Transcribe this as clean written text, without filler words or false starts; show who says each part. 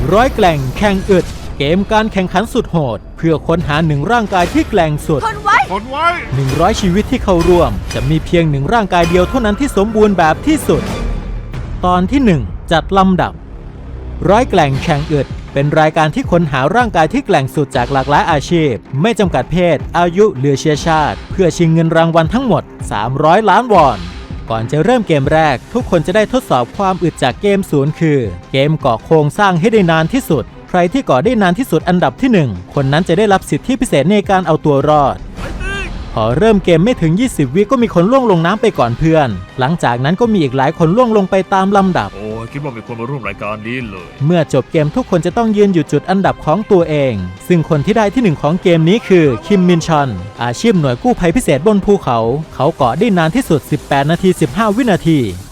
Speaker 1: ร้อยแกล่งแข่งอึดเกมการแข่งขันสุดโหดเพื่อค้นหาหนึ่งร่างกายที่แกร่งสุด
Speaker 2: ทนไว้
Speaker 1: 100ชีวิตที่เข้าร่วมจะมีเพียงหนึ่งร่างกายเดียวเท่านั้นที่สมบูรณ์แบบที่สุดตอนที่1จัดลำดับร้อยแกล่งแข่งอึดเป็นรายการที่ค้นหาร่างกายที่แกร่งสุดจากหลากหลายอาชีพไม่จำกัดเพศอายุหรือเชื้อชาติเพื่อชิงเงินรางวัลทั้งหมด300 ล้านวอนก่อนจะเริ่มเกมแรกทุกคนจะได้ทดสอบความอึดจากเกม0คือเกมเกาะโครงสร้างให้ได้นานที่สุดใครที่เกาะได้นานที่สุดอันดับที่1คนนั้นจะได้รับสิทธิพิเศษในการเอาตัวรอดพอเริ่มเกมไม่ถึง20วิก็มีคนล่วงลงน้ำไปก่อนเพื่อนหลังจากนั้นก็มีอีกหลายคนล่วงลงไปตามลำดับ
Speaker 3: คิดว่ามีคนมาร่วมรายการนี้เลย
Speaker 1: เมื่อจบเกมทุกคนจะต้องยืนอยู่จุดอันดับของตัวเองซึ่งคนที่ได้ที่1ของเกมนี้คือคิมมินชอนอาชีพหน่วยกู้ภัยพิเศษบนภูเขาเขาเกาะได้นานที่สุด18 นาที 15 วินาที